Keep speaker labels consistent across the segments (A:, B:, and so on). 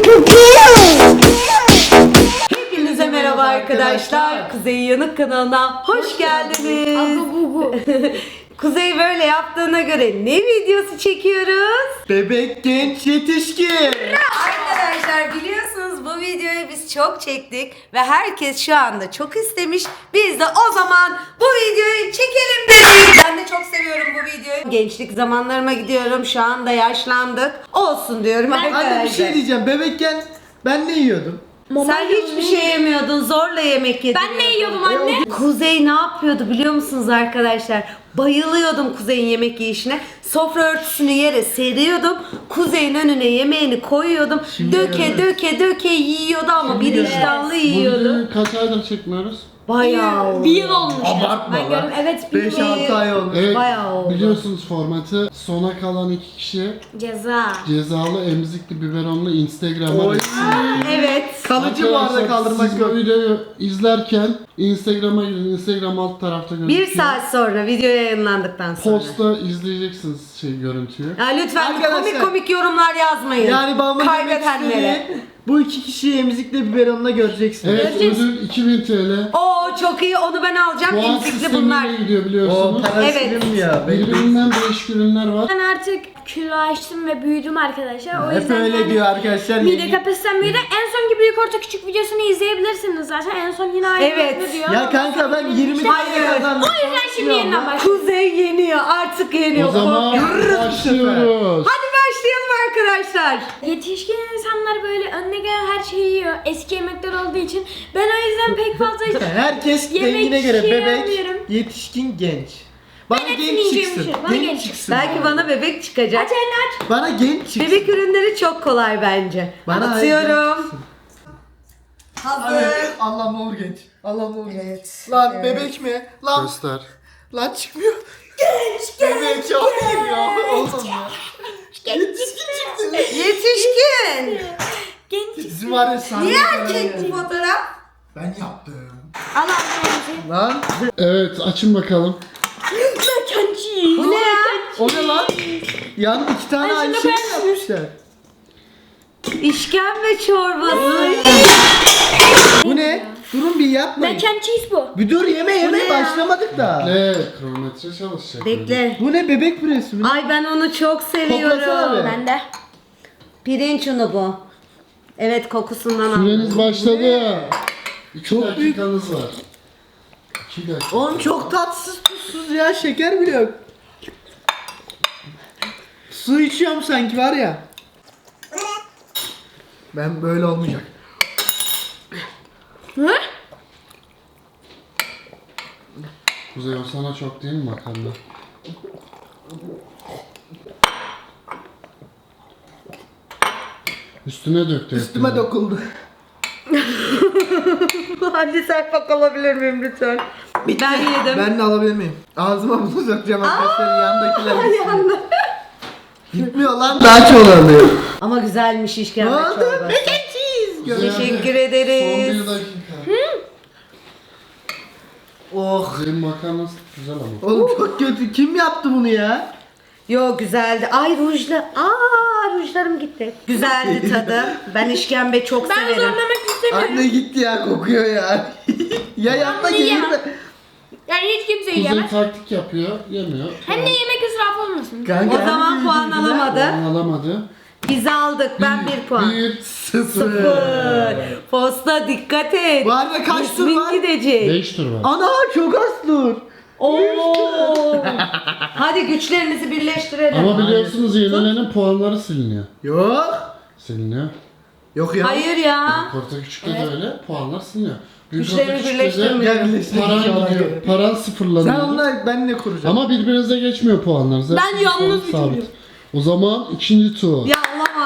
A: Hepinize merhaba arkadaşlar. Kuzey Yanık kanalına hoş geldiniz. Kuzey böyle yaptığına göre ne videosu çekiyoruz?
B: Bebek, genç, yetişkin.
A: Arkadaşlar biliyorsunuz bu videoyu biz çok çektik ve herkes şu anda çok istemiş. Biz de o zaman bu videoyu çekelim dedik. Ben de çok seviyorum bu videoyu. Gençlik zamanlarıma gidiyorum. Şu anda yaşlandık. Olsun diyorum arkadaşlar.
B: Anne bir şey diyeceğim. Bebekken ben ne yiyordum?
A: Sen hiçbir şey yemiyordun, zorla yemek yedin.
C: Ben ne yiyordum anne?
A: Kuzey ne yapıyordu biliyor musunuz arkadaşlar? Bayılıyordum Kuzey'in yemek yiyişine. Sofra örtüsünü yere seriyordum. Kuzey'in önüne yemeğini koyuyordum. Döke yiyordu ama bir iştahlı yiyordu.
D: Bugün kaç aydır çekmiyoruz?
A: Bayağı
C: Bir yıl olmuş.
B: Abartma
C: Ben
B: lan.
C: gördüm. Evet, bir yıl.
B: 5-6 ay olmuş.
D: Evet,
A: Bayağı oldu.
D: biliyorsunuz formatı. Sona kalan 2 kişi
C: Ceza.
D: cezalı emzikli biberonlu Instagram'a
B: Oy.
A: Evet.
B: Kalıcı bu arada
D: Arkadaşlar,
B: kaldırmak
D: siz
B: yok.
D: bu videoyu izlerken Instagram'a girin. Instagram alt tarafta gözüküyor.
A: Bir saat sonra video yayınlandıktan sonra.
D: Posta izleyeceksiniz görüntüyü.
A: Ya lütfen
B: Arkadaşlar,
A: komik yorumlar yazmayın.
B: Yani babamın demek
A: Kaybedenlere.
B: istediği bu iki kişiyi emzikle biberonla göreceksiniz.
D: Evet, ödül 2000 TL.
A: Oo çok iyi, onu ben alacağım.
D: Puan
A: Emzikli bunlar.
D: sistemiyle gidiyor
B: O
D: biliyorsunuz.
B: para
A: Evet.
B: silinmiyor.
D: Birbirinden değişik ürünler var.
C: Ben artık kilo açtım ve büyüdüm arkadaşlar. O
B: Hep
C: yüzden
B: öyle
C: yani
B: diyor arkadaşlar.
C: mide kapasitem büyüdü. En sonki büyük orta küçük videosunu izleyebilirsiniz zaten. En son yine aynı
A: Evet.
C: diyor.
B: Ya kanka ben 20
A: Hayır.
B: tane kazandım.
C: O yüzden şimdi yeniden başlayalım.
A: Kuzey yeniyor, artık yeniyor.
D: O zaman başlıyoruz.
A: Hadi başlayalım arkadaşlar.
C: Yetişkin insanlar böyle önüne gelen her şeyi yiyor. Eski yemekler olduğu için. Ben o yüzden pek fazla
B: Herkes
C: Yemek
B: rengine göre
C: şey
B: bebek,
C: yapmıyorum.
B: yetişkin, genç. Bana
C: hepsini
B: genç
C: yiyeceğim
B: çıksın.
C: bir şey. Bana
B: Genç
C: genç
B: çıksın.
A: Belki bana bebek çıkacak.
C: aç elini aç.
B: Bana genç çıksın.
A: Bebek ürünleri çok kolay bence.
B: Bana
A: Atıyorum. Hazır.
B: Allah ne olur genç. Allah ne olur.
A: Evet.
B: Lan
A: Evet.
B: bebek mi? Lan
D: Göster.
B: lan çıkmıyor. Bebek çok iyi ya. Olsun ya. Yetişkin çıktı.
A: Yetişkin.
C: Genç.
B: Bizim var ya sahne.
A: Niye erkek bu fotoğraf?
B: Ben yaptım.
C: Al ağzını.
B: Lan
D: Evet, açın bakalım.
C: Mac and cheese.
A: Bu ne ya?
B: o ne lan? Yani 2 tane
C: Ay,
B: aynı
C: şunu
B: şey
C: ben-
B: yapmışlar.
A: İşkembe çorbası.
B: Bu ne? Durun bir yapmayın.
C: Mac and cheese bu.
B: Bir dur yeme
A: ne ya?
B: başlamadık da.
D: Ne? Kronometre çalışacak.
A: Bekle.
B: Bu ne bebek püresi mi?
A: Ay ben onu çok
B: Koklasana
A: seviyorum.
B: be.
C: Ben de.
A: Pirinç unu bu. Evet, kokusundan
D: Süreniz
A: aldım.
D: başladı. 2
B: Çok
D: dakikanız var. 2 dakika.
B: Oğlum çok tatsız tuzsuz ya, şeker bile yok. Su içiyorum sanki var ya. Ben böyle olmayacak.
C: Hı?
D: Kuzey, o sana çok değil mi makarna? Üstüne döktü.
B: Üstüme
D: hepsini.
B: dokuldu.
A: Hadi serpak alabilir miyim lütfen? Ben yedim.
B: Ben de alabilir miyim? Ağzıma bunu sokacağım arkadaşlar, yandakiler gitsin. Gitmiyor lan. Daha çok alıyor.
A: Ama güzelmiş
B: Ne
A: işkembe
B: oldu?
A: çorbası.
B: Mac and cheese.
D: Kuzey,
A: Teşekkür
D: hadi.
A: ederiz.
D: Son 1 dakika.
B: Oh.
D: Kuzey'in makarnası güzel ama.
B: Oğlum çok kötü. Kim yaptı bunu ya?
A: Yo, güzeldi. Ay rujlarım gitti. Güzeldi tadı. Ben işkembe çok
C: Ben
A: severim.
C: zorlamak istemiyorum.
B: Anne gitti ya, kokuyor ya. Ya yanına
C: bunu
B: gelir
C: yiyemem.
B: de.
C: Yani hiç kimse
D: Kuzey
C: yiyemez.
D: taktik yapıyor, yemiyor.
C: Hem de yemek israfı olmasın.
B: Kanka,
A: O zaman
B: hem
A: puan
B: büyüdü,
A: alamadı.
D: Puan alamadı.
A: Biz aldık. Ben 1 puan.
D: 1,
B: Sıfır.
A: Posta dikkat et.
B: Bu arada kaç tur
A: İsmin
B: var?
A: gidecek.
D: 5 tur var.
B: Ana çok az tur.
A: Oo. Hadi güçlerimizi birleştirelim.
D: Ama biliyorsunuz yenilenin puanları siliniyor.
B: Yok.
D: Siliniyor.
B: Yok ya.
A: Hayır ya.
D: Orta küçükte de öyle puanlar siliniyor.
A: Güçlerimi
D: küçükte de
A: birleştirmiyorum.
B: Gel birleştirdik
D: Paran
B: inşallah.
D: gidiyor. Paran sıfırlanıyor.
B: Sen onunla benle kuracağım.
D: Ama birbirinize geçmiyor puanlar. Zaten
C: Ben yalnız
D: puan sabit. O zaman ikinci tur.
A: Ya olamaz.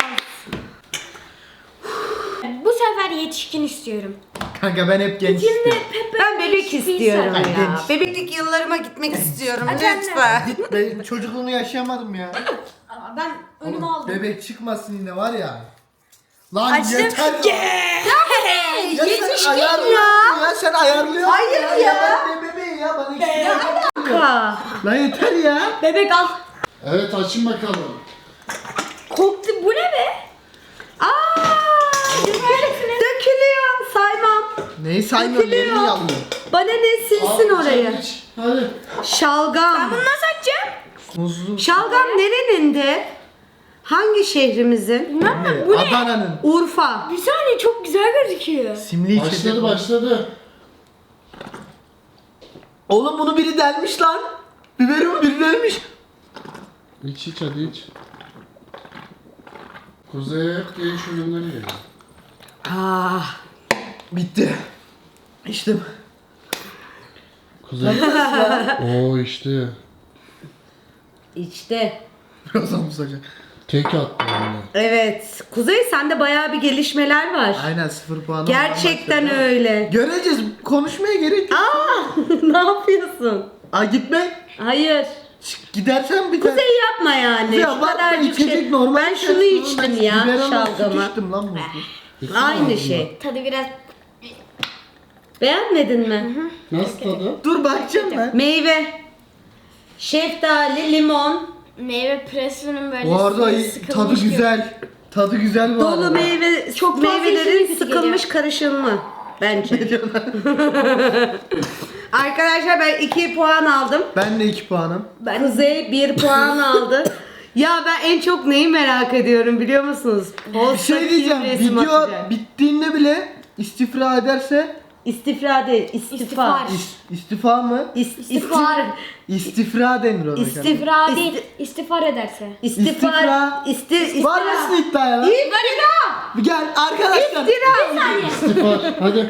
C: Bu sefer yetişkin istiyorum.
B: Kanka ben hep genç
C: Şimdi
B: istiyorum.
C: Pepe
A: Ben bebek istiyorum
B: Ben
A: ya.
B: genç.
A: Bebeklik yıllarıma gitmek istiyorum
C: Aç anne.
A: lütfen.
B: Ben çocukluğumu yaşayamadım ya.
C: Ama ben önüme aldım.
B: Bebek çıkmasın yine var ya. Lan
C: Açtım.
B: yeter.
A: Hey,
B: Ya
A: yetişkin
B: sen
A: ya.
B: ayarlıyorsun ya. Sen ayarlıyorsun
A: Hayır ya.
B: Ben de bebeğim ya. Bana hiçbir şey
A: Ka.
B: Lan yeter ya.
C: Bebek al.
D: Evet, açın bakalım.
C: Koktu. Bu ne be?
A: Aa!
B: Neyi saymıyorum?
A: Dökülüyor.
B: Yerini alayım.
A: Bana ne silsin orayı.
D: Hadi.
A: Şalgam.
C: Bunu nasıl açacağım?
B: Muzlu.
A: Şalgam nerenin de? Hangi şehrimizin?
B: Ne?
C: Bu ne?
B: Adana'nın.
A: Urfa.
C: Bir saniye çok güzel gözüküyor.
B: Simli içecek.
D: Başladı.
B: Oğlum bunu biri delmiş lan. Biberimi biri delmiş.
D: İç hadi iç. Kuzey hep değiş ürünleri geliyor.
A: Ah.
B: Bitti. İçtim.
D: Kuzey. Oo işte.
A: İşte.
B: Birazdan musacak.
D: Tek attı yani.
A: Evet. Kuzey sende bayağı bir gelişmeler var.
B: Aynen 0 puan.
A: Gerçekten öyle.
B: Göreceğiz. Konuşmaya gerek yok.
A: ne yapıyorsun?
B: Aa gitme.
A: Hayır.
B: Gidersen biter.
A: Kuzey yapma yani.
B: Ya
A: Şu
B: bak
A: kadarcık
B: içecek
A: şey.
B: normal.
A: Ben şunu içtim ya şalgamı.
B: içtim lan muzlu.
A: Aynı şey.
C: Tadı biraz
A: Beğenmedin mi?
D: Nasıl tadı?
B: Dur bakacağım ben.
A: Meyve. Şeftali, limon.
C: meyve presinin böyle
B: Bu arada
C: suyu
B: tadı
C: sıkılmış gibi.
B: güzel. Tadı güzel bu
A: Dolu
B: arada.
A: meyve,
C: Çok fazla
A: meyvelerin
C: içecek
A: sıkılmış
C: geliyor.
A: karışımı bence. Arkadaşlar ben 2 puan aldım.
B: Ben de 2 puanım.
A: Kuzey 1 puan aldı. Ya ben en çok neyi merak ediyorum biliyor musunuz?
B: Bir şey diyeceğim. Video bittiğinde bile istifra ederse
A: İstifra değil, istifa.
B: istifa mı?
C: İstifar.
B: İstifra denir ona.
C: İstifra değil, istifar ederse.
A: İstifra.
B: Var mısın iddiaya lan?
A: İftira.
B: Gel arkadaşlar.
A: İftira.
D: İstifa. Hadi.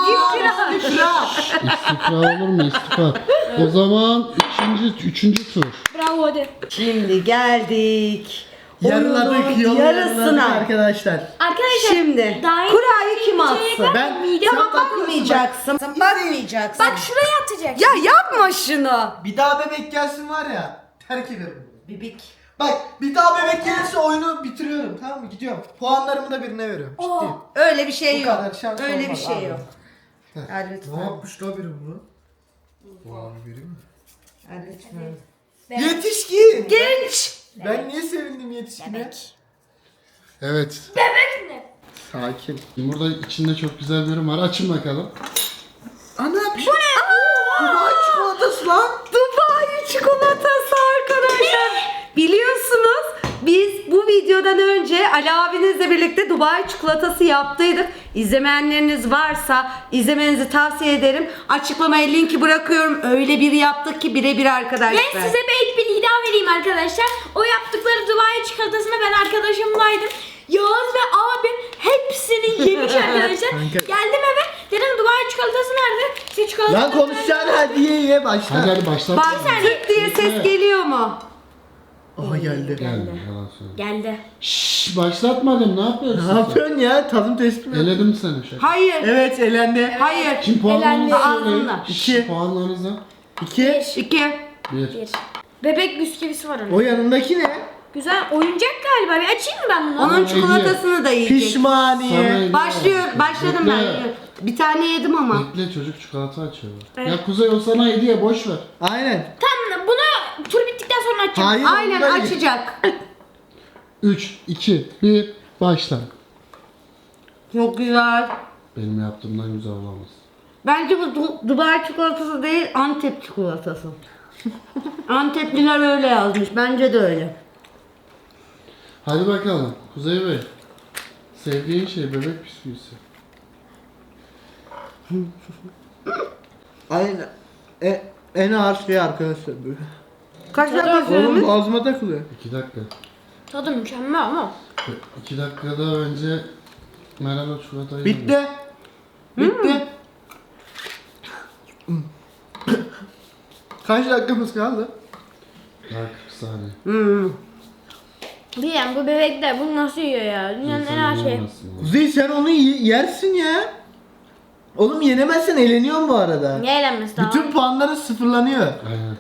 B: İstifra.
D: İstifa olur mu istifa? O zaman üçüncü tur.
C: Bravo hadi.
A: Şimdi geldik.
B: Yarıladık
A: Oyunun
B: yolu yarıladık
A: yarısına.
B: arkadaşlar.
C: Arkadaşlar
A: Şimdi
C: daha
A: kurayı kim
C: içecekler
A: atsın?
B: Ben-
C: midem
B: sen
C: patladı.
A: Bakmayacaksın. Bakmayacaksın.
C: Bak şuraya atacak.
A: Ya yapma şunu.
B: Bir daha bebek gelsin var ya. Terk ederim.
A: Bibik.
B: Bak bir daha bebek gelirse oyunu bitiriyorum, tamam mı? Gidiyorum. Puanlarımı da birine veriyorum. Ciddiyim.
A: Öyle bir şey
B: Bu
A: yok.
B: kadar şans
A: Öyle bir
B: olmaz
A: şey
B: abi.
A: yok.
B: Heh.
A: Hadi lütfen.
B: Ne yapmış la biri bunu? Puan vereyim mi?
A: Hadi lütfen.
B: Yetişkin.
A: Genç.
B: Ben niye sevindim yetişkine?
D: Evet.
C: Bebek ne?
B: Sakin.
D: Burada içinde çok güzel bir ürün var. Açın bakalım.
B: Ana bir şey. Bu ne? Dubai çikolatası lan.
A: Dubai çikolatası arkadaşlar. Biliyorsunuz biz bu videodan önce Ali abinizle birlikte Dubai çikolatası yaptıydık. İzlemeyenleriniz varsa izlemenizi tavsiye ederim. Açıklamaya linki bırakıyorum. Öyle bir yaptık ki birebir arkadaşlar.
C: Ben size belki bir iddia vereyim arkadaşlar. O yaptıkları Dubai çikolatasını ben arkadaşımlaydım. Yağız ve abim hepsini yemiş arkadaşlar.
B: Kanka.
C: Geldim eve dedim Dubai çikolatası nerede? Siz çikolata
B: Lan konuşacaksın hadi ye başla.
D: Hadi başlat.
A: Bak tık diye ses geliyor mu?
B: Aha geldi.
D: Geldi. Yalan söyle.
C: Geldi.
D: Şşş başlatmadım. Ne yapıyorsun?
B: Ne yapıyorsun ya? Tadım testi mi?
D: Eledim seni şaka.
A: Hayır.
B: Evet elendi.
A: Hayır.
D: Kim puanlarınızı
A: Elendi.
D: söyleyin.
A: Ağzında.
B: İki.
D: Puanlarınızı.
B: 2.
A: 2.
D: Bir.
C: Bir. Bebek bisküvisi var onun.
B: O yanındaki ne?
C: Güzel oyuncak galiba. Bir açayım mı ben bunu?
A: Onun çikolatasını da yiyecek.
B: Pişmaniye.
D: Sana-
A: Başlıyor. Başladım ben.
D: Bekle.
A: Bir tane yedim ama.
D: Bekle çocuk çikolata açıyorlar.
C: Evet.
D: Ya Kuzey o sana hediye boş ver.
B: Aynen.
C: Tamam bunu tur bittikten sonra açacağım.
B: Hayır.
A: Aynen
B: ondan ye.
A: açacak.
D: 3, 2, 1 başla.
A: Çok güzel.
D: Benim yaptığımdan güzel olamaz.
A: Bence bu Dubai çikolatası değil, Antep çikolatası. Antepliler öyle yazmış. Bence de öyle.
D: Hadi bakalım Kuzey Bey. Sevdiğin şey bebek bisküvisi.
B: Aynen. En ağır şey arkadaşlar bu.
A: Kaç dakika
B: Oğlum
A: sürmüş?
B: boğazıma takılıyor.
D: 2 dakika.
C: Tadı mükemmel ama.
D: 2 dakikada önce merhaba çikolatayı
B: Bitti. Bitti. Kaç dakikamız kaldı?
D: Daha 40 saniye.
C: Diyem bu bebekler bunu nasıl yiyor ya? Dünyanın en ağır şeyi.
B: Kuzey sen onu yersin ya. Oğlum yenemezsen eleniyorsun bu arada.
C: Niye eğlenmesi daha?
B: Bütün puanların sıfırlanıyor.
D: Aynen.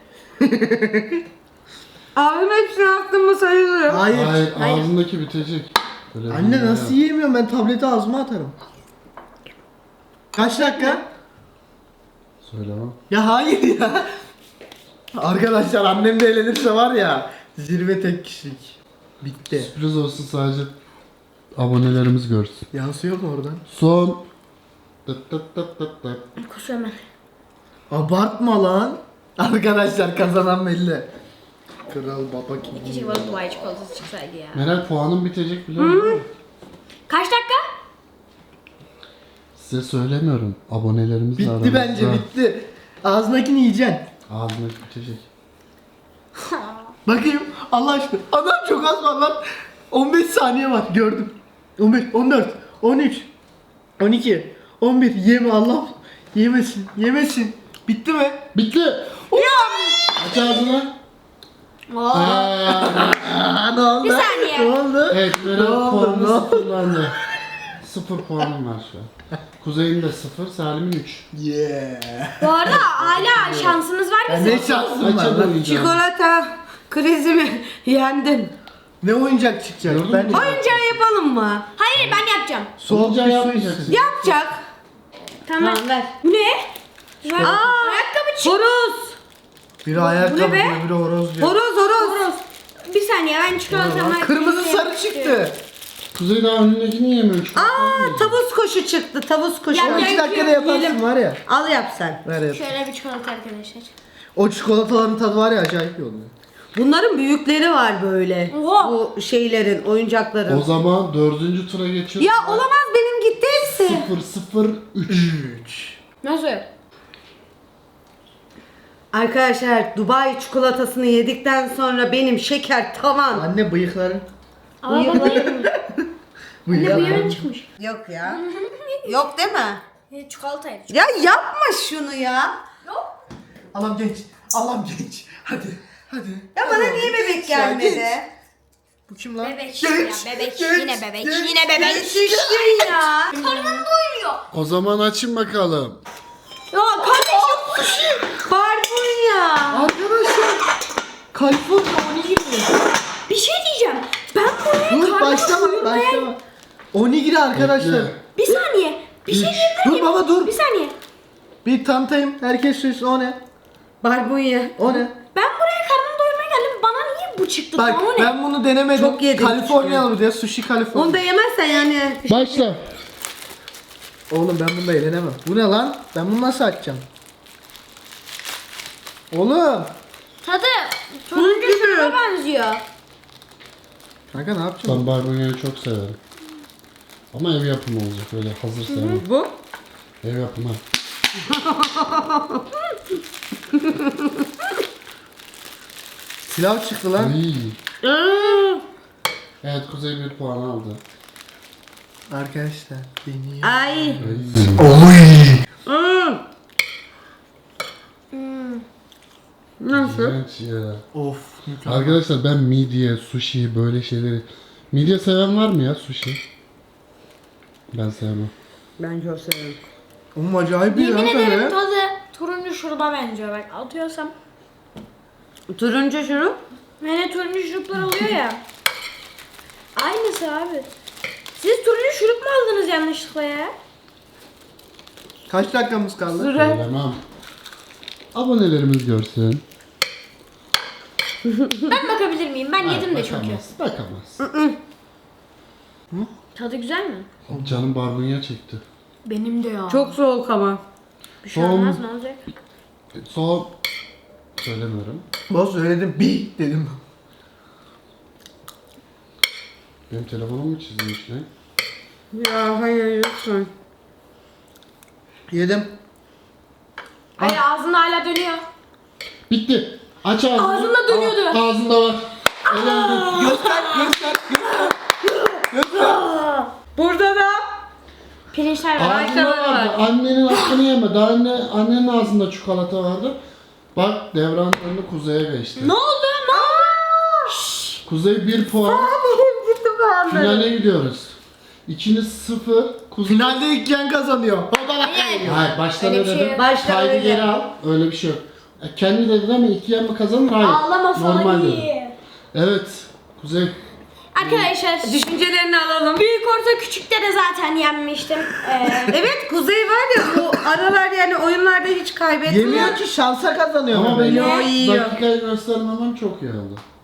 A: Ağzım hepsini attım mı sayılır.
B: Hayır.
D: Hayır, ağzındaki bitecek. Öyle bir
B: Anne
D: dünya
B: nasıl
D: yok.
B: yiyemiyorum, ben tableti ağzıma atarım. Kaç dakika?
D: Söylemem.
B: Ya hayır ya. Arkadaşlar annem de eğlenirse var ya, zirve tek kişilik. Bitti.
D: Sürpriz olsun sadece abonelerimiz görsün.
B: Yansıyor mu oradan?
D: Son Tıt tıt tıt tıt tıt.
C: Koş hemen.
B: Abartma lan. Arkadaşlar kazanan belli. Kral baba kim?
C: Keşke bana Dubai çikolatası çıksaydı ya.
D: Meral puanın bitecek biliyor musun?
C: Kaç dakika?
D: Size söylemiyorum. Abonelerimiz
B: Bitti
D: aramızda.
B: bence bitti. Ağzındakini yiyeceksin.
D: Ağzına bitecek.
B: Bakayım Allah aşkına. Adam çok az var lan. 15 saniye var gördüm. 15, 14, 13, 12, 11. Yeme Allah. Yemesin, yemesin. Bitti mi?
D: Bitti. Aç ağzını.
B: Aa, ne oldu?
C: Bir saniye.
B: Ne oldu?
D: Evet,
B: Ne
D: Meral
B: oldu?
D: puanı
B: Ne oldu?
D: sıfırlandı. 0 puanım var şu an. Kuzey'in de 0, Salim'in 3.
B: Yeah.
C: Bu arada hala şansınız var
B: Ya
C: mı?
B: ne şansın var
D: Açalım
B: lan?
D: oyuncağı.
A: Çikolata krizimi yendim.
B: Ne oyuncak çıkacak?
D: Gördün mü?
B: Bence
A: Oyuncağı yapalım mı?
C: Hayır ben yapacağım.
B: soğuk
D: Oyuncağı
B: bir su
D: yapmayacaksın.
B: içsin.
A: Yapacak.
C: Tamam.
A: ver.
C: Bu ne?
A: Aa,
C: Ayakkabı çık.
A: horoz.
B: Biri ayakkabı
C: Bu ne be?
B: diyor, biri horoz diyor.
A: Horoz horoz.
C: Horoz. Bir saniye ben çikolatamı...
B: Kırmızı sarı çıktı.
D: Kuzey daha önündekini yemiyor. Şu an
A: Aa, tavus kuşu çıktı. Tavus kuşu.
C: Ya,
B: 2 dakikada yaparsın var ya.
A: Al yap sen.
B: Ver yap.
C: Şöyle bir çikolata arkadaşlar.
B: O çikolataların tadı var ya acayip iyi oluyor.
A: Bunların büyükleri var böyle.
C: Oha.
A: Bu şeylerin, oyuncakların.
D: O zaman 4. tura geçiyoruz.
A: Ya olamaz, benim gitti hepsi.
D: 0-0-3.
C: Nasıl?
A: Arkadaşlar, Dubai çikolatasını yedikten sonra benim şeker tavan.
B: Anne bıyıkların.
C: Aa babayım. Ne bu
B: Bıyıkların.
C: yarın çıkmış.
A: Yok ya. Yok değil mi?
C: Çikolataydı.
A: Ya yapma şunu ya.
C: Yok.
B: Allah'ım genç. Allah'ım genç. Hadi. Hadi.
A: Ya bana niye bebek gelmedi?
B: Bu kim lan?
C: Bebek
B: Genç,
C: ya bebek.
B: genç,
C: Yine bebek.
B: genç,
C: Yine bebek.
A: Şiştim ya.
C: Karnım doyuyor.
D: O zaman açın bakalım.
C: Ya kardeşim.
A: Barbunya.
B: Arkadaşlar. Kaliforniya 12 mi?
C: Bir şey diyeceğim. Ben buraya
B: Dur
C: karnımı
B: başlama
C: doyurmaya...
B: başlama. 12 arkadaşlar.
D: Bekle.
C: Bir saniye. Bir şey diyebilir
B: Dur
C: miyim?
B: baba dur.
C: Bir saniye.
B: Bir tanıtayım. Herkes söylesin o ne?
A: Barbunya.
B: O ne?
C: Ben buraya karnımı doyurmaya geldim. Bana niye bu çıktı?
B: Bak
C: Bana o ne?
B: ben bunu denemedim.
A: Çok yedim
B: Kaliforniyalı bir de sushi Kaliforniya.
A: Onu da yemezsen yani.
D: Başla.
B: Oğlum ben bunda eğlenemem. Bu ne lan? Ben bunu nasıl açacağım? Oğlum.
C: Tadı turuncu şuruba benziyor.
B: Kanka ne yapacağım?
D: Ben barbunyayı çok severim. Ama ev yapımı olacak, öyle hazır sevmem.
A: Bu?
D: Ev yapımı.
B: Pilav çıktı lan.
D: İyi. Evet, Kuzey 1 puan aldı.
B: Arkadaşlar beni.
A: Ay. Nasıl?
D: Evet ya.
B: Of. mükemmel.
D: Arkadaşlar ben midye, sushi böyle şeyleri... Midye seven var mı ya sushi? Ben sevmem.
A: Ben çok seviyorum.
B: Oğlum acayip bir
C: Yemin
B: lan
C: ederim
B: böyle.
C: tadı turuncu şuruba benziyor. Bak atıyorsam.
A: Turuncu şurup.
C: Hani turuncu şuruplar oluyor ya. Aynısı abi. Siz turuncu şurup mu aldınız yanlışlıkla ya?
B: Kaç dakikamız kaldı?
D: Bilemem. Abonelerimiz görsün.
C: Ben bakabilir miyim? Ben yedim de çünkü.
D: Bakamaz. Bakamaz.
C: Tadı güzel mi?
D: Canım barbunya çekti.
C: Benim de ya.
A: Çok soğuk ama.
C: bir şey
D: Son-
C: olmaz ne olacak?
D: Son... Söylemiyorum.
B: Boz söyledim bir dedim.
D: Benim telefonum mu çizilmiş ne?
A: Ya hayır lütfen.
B: Yedim.
C: Hayır ağzında hala dönüyor.
D: Bitti. Aç ağzını.
C: Ağzında dönüyordu.
D: Ağzında var. Elinde.
B: Göster göster göster. Göster.
A: Burada da
C: Pirinçler var.
D: Ağzında vardı. Annenin hakkını yeme. Daha annenin ağzında çikolata vardı. Bak devran önünü Kuzey'e geçti.
C: Ne oldu? Ne oldu?
D: Kuzey 1 puan.
A: gitti bu
D: Finale gidiyoruz. İkiniz 0. Kuzey...
B: Finalde ilk yan kazanıyor.
D: Hayır baştan
C: Öyle bir
D: öyle
C: şey
D: de.
C: yok.
A: Baştan
D: Kaydı
A: öyle.
D: geri al. Öyle bir şey yok. Kendi dedi değil mi? 2 yan mı kazanır? Hayır.
C: Ağlama
D: Normal
C: falan
D: dedi.
C: iyi.
D: Evet. Kuzey.
C: Arkadaşlar
A: Düşüncelerini alalım.
C: büyük orta küçükte de zaten yenmiştim.
A: Evet, Kuzey var ya, bu aralar yani oyunlarda hiç kaybetmiyor.
B: Yemiyor ki şansa kazanıyor.
D: Ama
B: böyle.
D: benim
A: Yo, yiyor.
D: dakikayı göstermemem çok iyi oldu.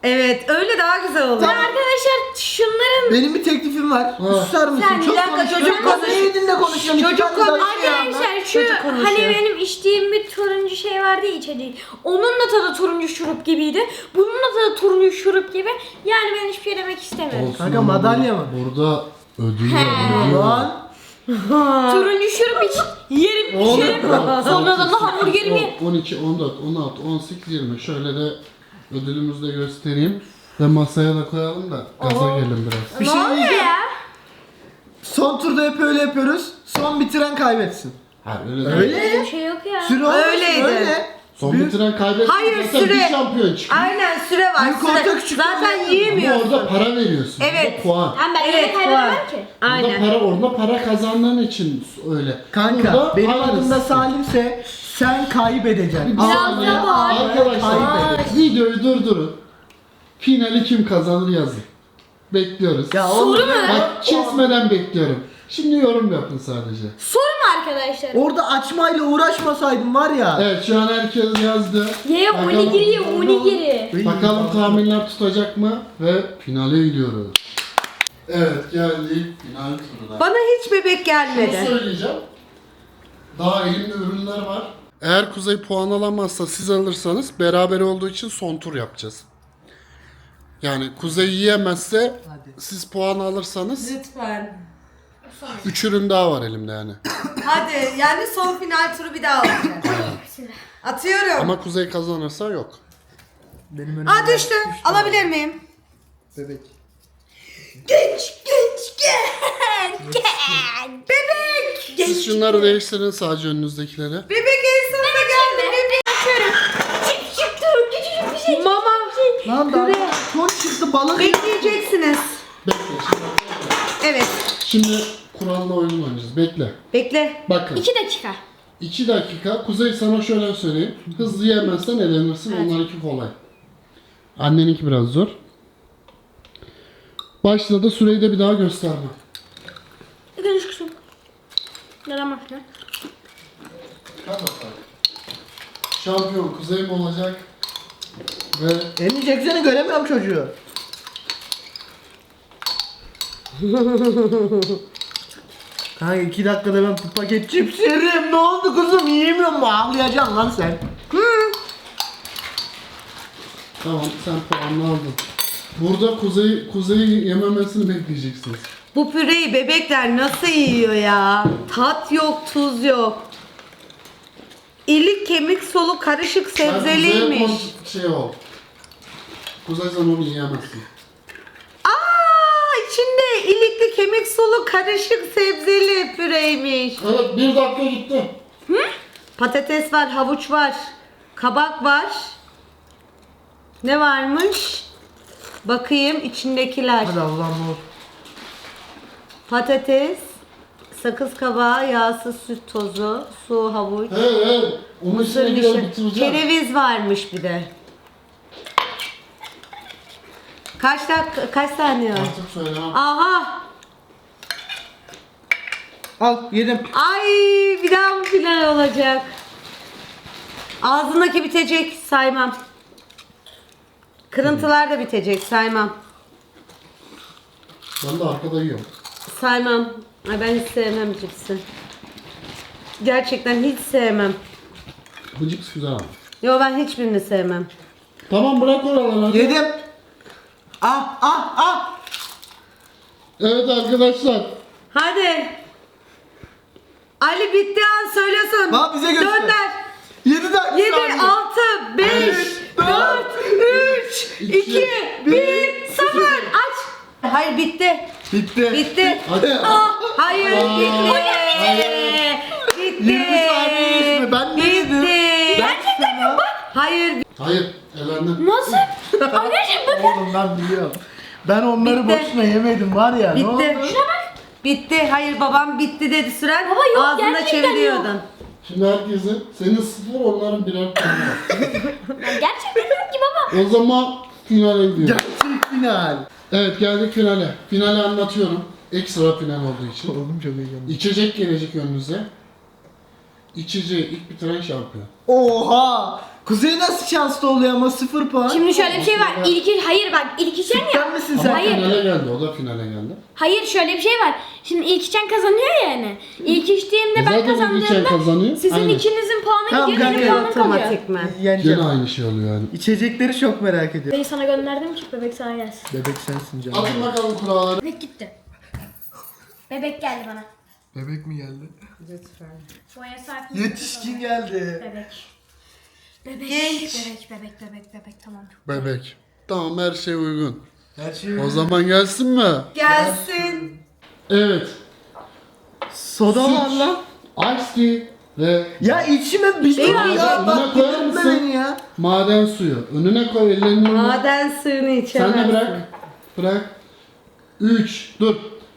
A: Evet öyle daha güzel olur.
C: Arkadaşlar şunların
B: Benim bir teklifim var.
D: Ha.
B: Susar mısın?
C: Sen bir
B: Çok
A: dakika,
B: konuşuyorsun.
A: çocuk konuş.
B: Ne dinle konuşuyorsun?
A: Çocuk
B: İki tane daha
A: konuş.
B: şey anlat.
C: arkadaşlar şu
A: Çocuk konuşuyor.
C: hani benim içtiğim bir turuncu şey vardı ya içeceği. Onun da tadı turuncu şurup gibiydi. Bunun da tadı turuncu şurup gibi. Yani ben hiçbir şey demek istemiyorum.
D: Olsun
B: Kanka,
D: ama
B: madalya mı?
D: Burada ödül var.
B: Lan.
C: Turuncu şurup iç. Yerim
D: Oğlum,
C: içerim. Sonradan da hamburgerimi.
D: 12, 14, 16, 18, 20. Şöyle de ödülümüzü de göstereyim. Ve masaya da koyalım da gaza gelin biraz.
B: Bir
C: Ne
B: şey
C: oluyor
B: diyeceğim.
C: ya?
B: Son turda hep öyle yapıyoruz. Son bitiren kaybetsin.
D: Ha, öyle
B: Öyle.
C: Öyle bir şey yok ya.
B: Süre olmasın
A: Öyleydi.
B: öyle.
D: Son
B: Büyük-
D: bitiren kaybetsin.
A: Hayır,
D: zaten
A: süre.
D: bir şampiyon çıkıyor.
A: Aynen süre var.
B: Büyük
A: Süre.
B: orta, küçük
A: Zaten
B: orta.
D: Ama
A: yiyemiyorsun.
D: orada para veriyorsun.
A: Evet.
D: Burada puan.
C: Ben
A: Evet,
C: evet, kaybedemem
A: puan.
C: ki.
A: Aynen.
D: Orada para kazandığın için öyle.
B: Kanka
D: Burada
B: benim
D: aynısı.
B: adım da Salim'se sen kaybedeceksin.
D: Bir
C: Biraz
D: saniye.
C: da bağır.
D: Arkadaşlar
B: Kaybedin.
D: videoyu durdurun. Finali kim kazanır yazın. Bekliyoruz.
B: Ya
C: Soru
B: oğlum,
C: mu?
D: Bak kesmeden bekliyorum. Şimdi yorum yapın sadece.
C: Soru mu arkadaşlar?
B: Orada açmayla uğraşmasaydım var ya.
D: Evet şu an herkes yazdı.
C: Ye
D: Bakalım-
C: onigiri ye onigiri.
D: Bakalım tahminler tutacak mı? Ve finale gidiyoruz. Evet geldik final turuna.
A: Bana hiç bebek
D: Şunu
A: gelmedi.
D: söyleyeceğim. Daha elimde ürünler var. Eğer Kuzey puan alamazsa siz alırsanız beraber olduğu için son tur yapacağız. Yani Kuzey yiyemezse
B: Hadi.
D: siz puan alırsanız
A: Lütfen.
D: 3 ürün daha var elimde yani.
A: Hadi yani son final turu bir daha olacak. Atıyorum.
D: Ama Kuzey kazanırsa yok.
B: Benim önümde
A: Aa düştü. Alabilir miyim?
B: bebek.
A: Genç gel. Bebek.
D: Siz şunları değiştirin sadece önünüzdekileri.
A: Bebek en sonunda geldi. Bebek.
C: Çık çık turun küçücük bir şey.
A: Mama.
B: Lan daha son çıktı balık.
A: Bekleyeceksiniz.
D: Bekle şimdi.
A: Evet.
D: Şimdi kurallı oyun oynayacağız. Bekle.
A: Bekle.
D: Bakın.
C: 2 dakika.
D: 2 dakika. Kuzey sana şöyle söyleyeyim. Hızlı yemezsen elenirsin. Onlarınki kolay. Anneninki biraz zor. Başladı. Süreyi de bir daha gösterme.
C: Görüş kısım. Yaramaz lan.
D: Hadi bakalım. Şampiyon Kuzey mi olacak? Ve
B: Elini çeksene göremiyorum çocuğu. Kanka 2 dakikada ben bir paket cips yerim. Ne oldu kızım? Yiyemiyor mu? Ağlayacaksın lan sen.
D: tamam sen puanını aldın. Burada Kuzey'i yememesini bekleyeceksiniz.
A: Bu püreyi bebekler nasıl yiyor ya? Tat yok, tuz yok. İlik, kemik, solu karışık
D: Sen Kuzey'e
A: sebzeliymiş.
D: şey ol. Kuzey sen onu yiyemezsin.
A: Aa, içinde ilikli, kemik, solu karışık sebzeli püreymiş.
D: Evet 1 dakika gitti.
A: Patates var, havuç var, kabak var. Ne varmış? Bakayım içindekiler.
B: Hadi Allah'ım ol.
A: Patates, sakız kabağı, yağsız süt tozu, su, havuç.
D: Hey onu içine
A: Mısır
D: girer
A: dışı.
D: bitireceğim.
A: Kereviz varmış bir de. Kaç dakika, kaç saniye var?
D: Artık söylemem.
A: Aha!
B: Al yedim.
A: Ay bir daha mı final olacak? Ağzındaki bitecek saymam. Kırıntılar da bitecek saymam.
D: Ben de arkada yiyorum.
A: Saymam. Ay ben hiç sevmem cipsi. Gerçekten hiç sevmem.
D: Bu cips güzel ama.
A: Yo ben hiçbirini sevmem.
D: Tamam bırak oraları hadi.
B: Yedim. Ah ah ah.
D: Evet arkadaşlar.
A: Hadi. Ali bitti an söylesin.
B: Bak bize göster.
A: Gönder.
B: 7 dakika.
A: 7,
B: saniye.
A: 6, 5, 4, 3, 2, 1, 0. Aç. Hayır bitti.
B: Bitti.
A: Bitti.
D: Hadi.
A: Hayır bitti. Bitti.
B: 20 saniye mi? Ben ne yedim?
A: Bitti.
B: Gerçekten mi?
A: Hayır.
D: Hayır elendin.
C: Nasıl? Anneciğim bakın.
B: Oğlum ben biliyorum. Ben onları
A: Bitti.
B: boşuna yemedim var ya. Ne
A: Bitti.
B: oldu?
A: Bitti. Hayır babam bitti dedi süren.
C: Baba yok,
A: Ağzında
C: gerçekten
A: çeviriyordun.
D: Şimdi herkesin senin 0 onların birer puanı var.
C: Gerçekten yok ki baba.
D: O zaman finale gidiyoruz.
B: Gerçek final.
D: Evet geldik finale. Finali anlatıyorum. Ekstra final olduğu için.
B: Oğlum çok heyecanlı.
D: İçecek gelecek önünüze. İçeceği ilk bitiren şampiyon.
B: Oha! Kuzey nasıl şanslı oluyor ama 0 puan.
C: Şimdi şöyle bir şey var. Hayır bak ilk içen ya.
B: Sen misin sen?
C: Hayır.
D: Finale geldi, o da finale geldi.
C: Hayır şöyle bir şey var. Şimdi ilk içen kazanıyor ya yani. İlk içtiğimde ben
D: Zaten ilk içen kazanıyor.
C: kazandığımda sizin
D: Aynen.
C: ikinizin puanı
B: Tamam,
C: gidiyor, benim
B: kanka,
C: puanım kalıyor.
A: Otomatikman.
B: Yeneceğim.
D: Gene aynı şey oluyor yani.
B: İçecekleri çok merak ediyorum.
C: Bebeği sana gönderdim ki bebek sana gelsin.
B: Bebek sensin canım.
D: Atın bakalım kuralları.
C: Bebek gitti. Bebek geldi bana.
B: Bebek mi geldi?
A: Lütfen.
C: Boya sakin.
B: Yetişkin geldi.
C: Bebek. Bebek.
A: Genç.
C: Bebek tamam.
D: Bebek. Tamam, her şey uygun.
B: Her şey
D: O zaman gelsin mi?
A: Gelsin.
D: Evet.
B: soda var
D: Süt,
B: lan.
D: Ice tea ve
B: Ya içime bir şey
A: Benim
B: ya.
A: yiyeceğim.
B: Bak
D: Önüne koyar
B: delirtme
D: mısın?
B: beni ya.
D: maden suyu. Önüne koy, ellerini önüne.
A: Maden suyunu
D: Sen
A: içemezsin.
D: de bırak. Bırak. 3. Dur.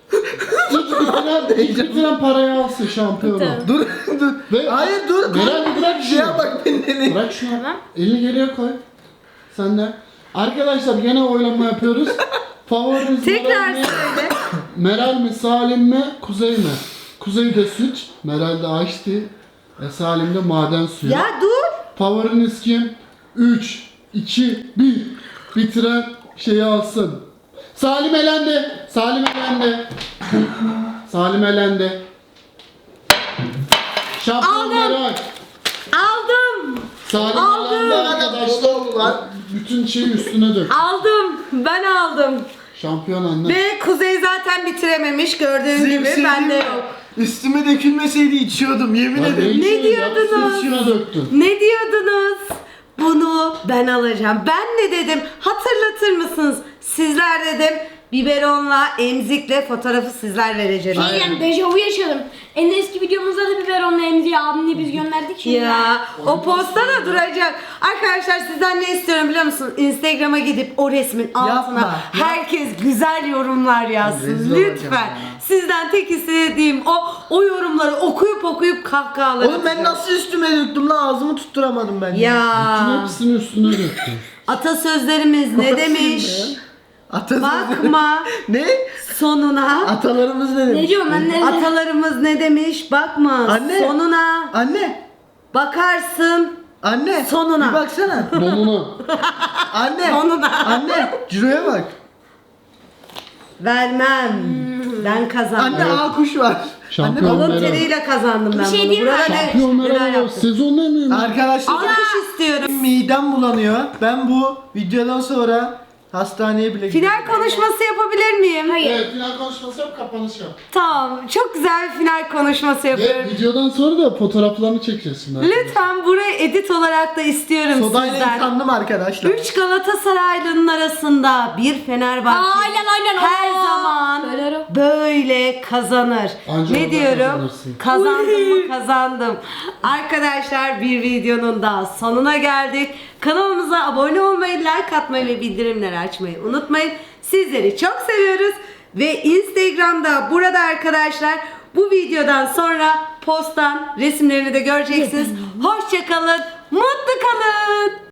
D: İlk bitiren parayı alsın şampiyonu.
B: Dur dur.
D: Ve-
B: Hayır dur.
D: Meral bir bırak şunu.
B: Ya bak beni deli.
D: Bırak şunu.
C: Tamam.
D: Elini geriye koy. Sen de. Arkadaşlar gene oylama yapıyoruz. Favoriniz
A: Tekrar
D: Meral mi?
A: söyle.
D: Meral mi, Salim mi, Kuzey mi? Kuzey de süt, Meral de ice tea, Salim de maden suyu.
A: Ya dur.
D: Favoriniz kim? 3, 2, 1. Bitiren şeyi alsın. Salim elendi. Salim elendi. Salim elendi. Şampiyon Meral.
A: Aldım.
D: Salim
A: Aldım.
D: elendi arkadaşlar. Bütün şeyi üstüne dök.
A: Aldım. Ben aldım.
D: Şampiyon anne.
A: Ve Kuzey zaten bitirememiş gördüğün
B: Size bir
A: gibi.
B: şey
A: Bende
B: diyeyim mi?
A: yok.
B: Üstüme dökülmeseydi içiyordum yemin
D: Ya
B: ederim.
D: ne
A: diyordunuz?
D: İçine döktün.
A: Ne diyordunuz? Bunu ben alacağım. Ben ne dedim? Hatırlatır mısınız? Sizler dedim. Biberonla, emzikle fotoğrafı sizler vereceksiniz.
C: Yani dejavu yaşadım. En eski videomuzda da biberonla emziği abimle biz gönderdik şimdi.
A: Ya o posta da duracak. Arkadaşlar sizden ne istiyorum biliyor musunuz? Instagram'a gidip o resmin altına
B: Yapma,
A: herkes güzel yorumlar yazsın.
B: Rezil olacağım
A: Lütfen.
B: ya.
A: Sizden tek istediğim o yorumları okuyup kahkahalar
B: Oğlum ben
A: atacağım.
B: nasıl üstüme döktüm lan ağzımı tutturamadım ben.
D: Bütün
A: Ya
D: hepsini üstüne döktün.
A: atasözlerimiz ne
B: Nasıl
A: demiş?
B: ya? Atasözü-
A: Bakma
B: Ne?
A: sonuna.
B: Atalarımız ne demiş?
C: Ne diyorum ben ne?
A: Atalarımız ne demiş? Bakma
B: Anne.
A: sonuna.
B: Anne.
A: Bakarsın.
B: Anne.
A: Sonuna.
B: Bir baksana.
D: Donunu.
B: Anne.
A: Sonuna.
B: Anne. Ciro'ya bak.
A: Vermem. Ben kazandım.
B: Anne A kuş var.
D: Şampiyon
B: Anne,
A: Alın
D: Meral.
A: teriyle kazandım ben
C: şey
A: bunu.
C: diyeyim mi?
A: Burada ne?
D: Şampiyon
A: neler
D: Meral.
A: yaptım?
D: Sezon ne miyim?
B: Arkadaşlar
A: Alkış istiyorum.
B: midem bulanıyor. Ben bu videodan sonra hastaneye bile
A: Final konuşması yapabilir miyim?
C: Hayır.
D: Evet, final konuşması yap, kapanış yap.
A: Tamam. Çok güzel bir final konuşması
D: Ve
A: yapıyorum.
D: videodan sonra da fotoğraflarını çekeceğiz şimdi.
A: Lütfen buraya edit olarak da istiyorum
B: Sodayla
A: sizden.
B: yıkandım arkadaşlar.
A: 3 Galatasaraylı'nın arasında bir Fenerbahçe
C: Aynen.
A: her
C: Aa,
A: zaman
C: söyler o.
A: böyle kazanır.
D: Anca
A: Ne
D: oradan
A: diyorum?
D: kazanırsın.
A: Kazandım mı kazandım. Arkadaşlar bir videonun daha sonuna geldik. Kanalımıza abone olmayı, like atmayı ve bildirimleri açmayı unutmayın. Sizleri çok seviyoruz. Ve Instagram'da burada arkadaşlar bu videodan sonra posttan resimlerini de göreceksiniz. Hoşça kalın, mutlu kalın.